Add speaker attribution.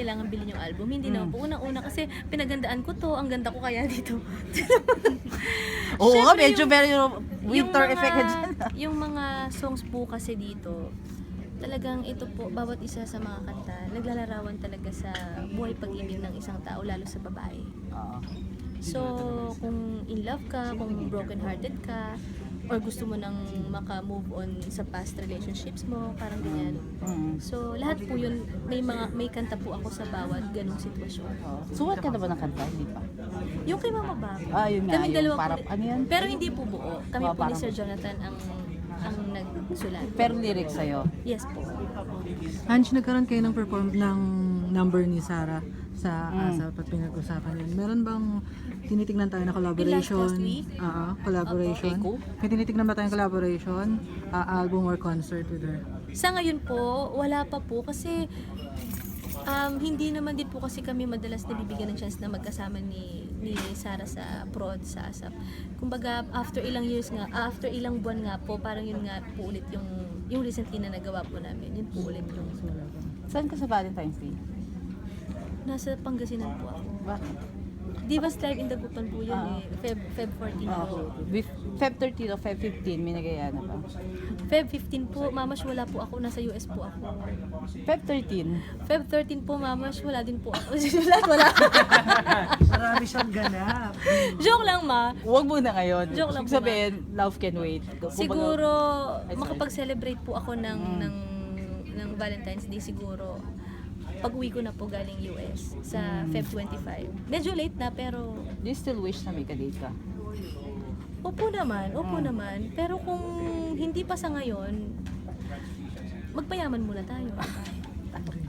Speaker 1: kailangan bilhin yung album. Hindi naman po. Unang-una kasi pinagandaan ko to, ang ganda ko kaya dito.
Speaker 2: Oo nga,
Speaker 1: Syempre,
Speaker 2: medyo very winter
Speaker 1: mga-
Speaker 2: effect ka dyan.
Speaker 1: Yung mga songs po kasi dito, talagang ito po, bawat isa sa mga kanta, naglalarawan talaga sa buhay pag-ibig ng isang tao, lalo sa babae.
Speaker 2: Oo.
Speaker 1: So, kung in love ka, kung broken-hearted ka, or gusto mo nang maka-move on sa past relationships mo, parang ganyan.
Speaker 2: Mm.
Speaker 1: So, lahat po yun, may kanta po ako sa bawat ganung sitwasyon.
Speaker 2: Oo. Suwat ka na ba ng kanta? Hindi pa.
Speaker 1: Yung kay Mama Bab,
Speaker 2: Yun nga.
Speaker 1: kaming
Speaker 2: Yung
Speaker 1: dalawa
Speaker 2: parang,
Speaker 1: po,
Speaker 2: ano yan?
Speaker 1: pero hindi po buo. Kami
Speaker 2: Oh,
Speaker 1: po ni
Speaker 2: parang-
Speaker 1: Sir Jonathan ang nagsulat.
Speaker 2: Pero lyrics sa'yo.
Speaker 1: Yes po.
Speaker 3: Ange, nagkaroon kayo ng perform ng number ni Sarah sa ASAP at pinag-usapan yun. Meron bang tinitignan tayo na collaboration?
Speaker 1: Last week?
Speaker 3: Collaboration.
Speaker 2: Opo.
Speaker 3: May tinitignan ba tayong collaboration? Album or concert with her?
Speaker 1: Sa ngayon po, wala pa po kasi hindi naman din po kasi kami madalas nabibigyan ng chance na magkasama ni Sarah sa prod, sa ASAP. Kumbaga, after ilang years nga, after ilang buwan nga po, parang yun nga po ulit yung recently na nagawa po namin. Yun po ulit yung
Speaker 2: Saan ka sa Valentine's Day?
Speaker 1: nasa Pangasinan po ako.
Speaker 2: Bakit?
Speaker 1: Divas Live in Dagupan po yun Feb 14 po.
Speaker 2: Feb 13 o Feb 15, may nagaya na ba?
Speaker 1: Feb 15 po, mamash wala po ako, nasa US po ako.
Speaker 2: Feb 13?
Speaker 1: Feb 13 po, mamash wala din po ako. wala.
Speaker 4: Marami siyang ganap.
Speaker 1: Joke lang ma.
Speaker 2: Huwag muna ngayon.
Speaker 1: Joke lang
Speaker 2: Ibig
Speaker 1: po,
Speaker 2: sabihin, love can wait. Kumbaga-
Speaker 1: Siguro
Speaker 2: Ay, sorry.
Speaker 1: makapag-celebrate po ako ng Valentine's Day siguro. Pag-uwi ko na po galing US sa Feb 25. Medyo late na pero
Speaker 2: Do you still wish na may kadate ka?
Speaker 1: opo naman. Pero kung hindi pa sa ngayon, magpayaman muna tayo.